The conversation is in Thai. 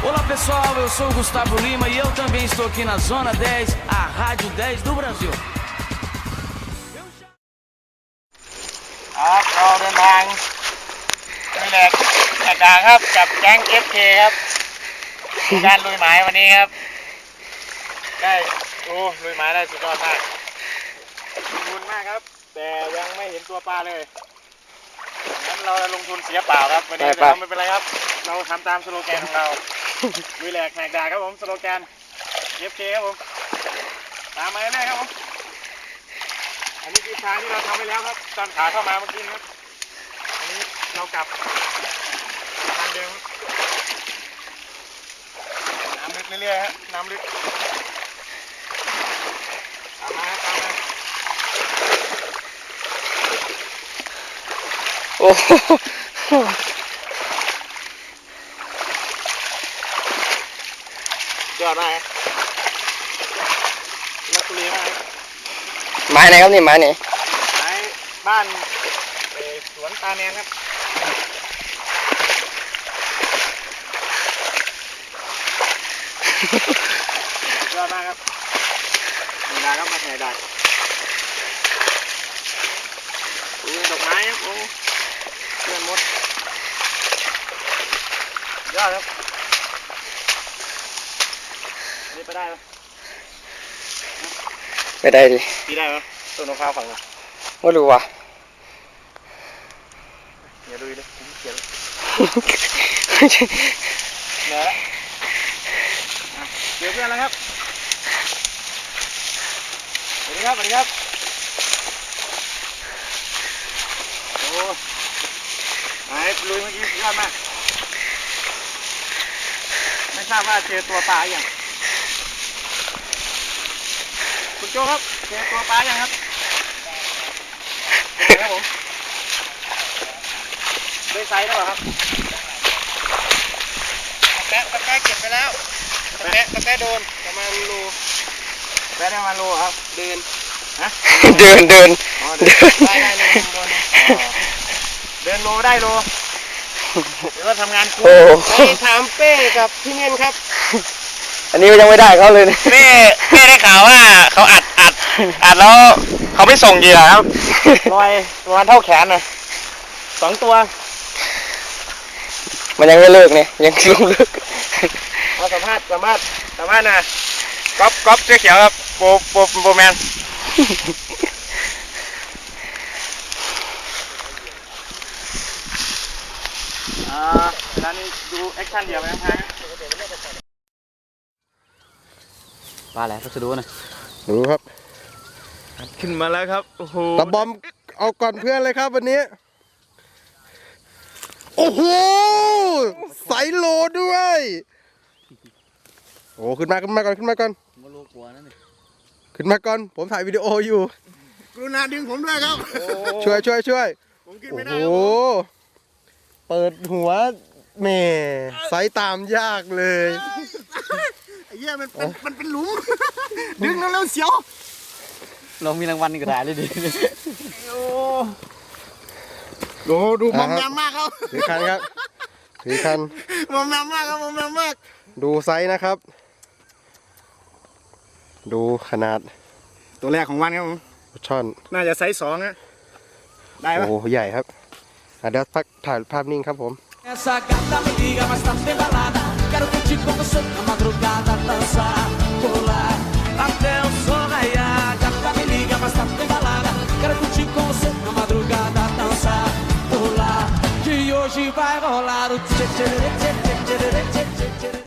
Olá pessoal, eu sou o Gustavo Lima e eu também estou aqui na Zona 10, a Rádio 10 do Brasil. ครับเราเดินทางนี่แหละแหกด่านครับกับแก๊ง FK ครับการลุยหมายวันนี้ครับได้ลุยหมายได้สุดยอดมากลงทุนมากครับแต่ยังไม่เห็นตัวปลาเลยงั้นเราลงทุนเสียเปล่าครับวันนี้แต่ไม่เป็นไรครับเราทำตามสโลแกนของเราลุยแหลกแหกด่านครับผมสโลแกน FK ครับผมตามมาเรื่อยๆครับผมอันนี้คือทางที่เราทำไปแล้วครับตอนขาเข้ามาเมื่อกี้ครับอันนี้เรากลับทางเดิมน้ำลึกเรื่อยๆฮะน้ำลึกตามมาตามมาโอ้ยอดมากครับลักษณะมากครับไม้ไหนครับนี่ไม้ไหนไม้บ้านสวนตาแนนครับยอดมากครับนี่นะครับมาแห่ดักดูดอกไม้ครับโอ้เพื่อนมดยอดครับอันนี้ไปได้ไหมไม่ได้ดิตีได้ไหมต้นมะพร้าวฝั่งนู้นไม่รู้ว่ะอย่าดูเลยผมเขียนเหนื่อยแล้วเจอเพื่อนแล้วครับสวัสดีครับสวัสดีครับโอ้ไอ้ลุยเมื่อกี้สุดยอดมากไม่ทราบว่าเจอตัวปลาอย่างคุณโจครับเจอตัวปลาอย่างครับเป็นไงครับผมได้ไซส์แล้วเหรอครับตะแกะเก็บไปแล้วตะแกะโดนประมาณโลแปะได้ประมาณโลครับเดินฮะเดินได้โลโดนเดินโลได้โลเดี๋ยวเราทำงานคุ้มไปถามเป้กับพี่เงินครับอันนี้ยังไม่ได้เขาเลยเป้ได้ข่าวว่าเขาอัดแล้วเขาไม่ส่งเหยื่อครับลอยประมาณเท่าแขนนะ2 ตัวมันยังไม่เลิกเนี่ยยังลงเลิกเอาสัมภาษณ์นะก๊อฟเสื้อเขียวครับโปรแมนร้านนี้ดูแอคชั่นเดียวไปทั้งปลาอะไรพัสดุนะดูครับขึ้นมาแล้วครับโอ้โหตะบอมเอาก่อนเพื่อนเลยครับวันนี้โอ้โหใส่โลด้วยโอ้ขึ้นมาก่อนมาโลกลัวนั่นนี่ขึ้นมาก่อนผมถ่ายวิดีโออยู่กรุณาดึงผมด้วยครับช่วยผมกินโอ้ไม่ได้โหเปิดหัวแม่ใส่ตามยากเลยไอ้เหี้ยมันเป็นหลุมดึงแล้วเสียวลองมีรางวัลก็ได้เลยดิโอ้ดูมอมแมมมากครับถือคันมอมแมมมากครับมอมแมมมากดูไซส์นะครับ ดูขนาดตัวแรกของวันครับผมช่อนน่าจะไซส์2นะได้ปะโอ้ใหญ่ครับเดี๋ยวถ่ายภาพนิ่งครับผม Essa gata me liga, mas tá pedalada. Quero curtir com você na madrugada, dançar, pular até o sol raiar. Gata me liga, mas tá pedalada. Quero curtir com você na madrugada, dançar, pular. Que hoje vai rolar o tchê tchê tchê tchê tchê tchê tchê.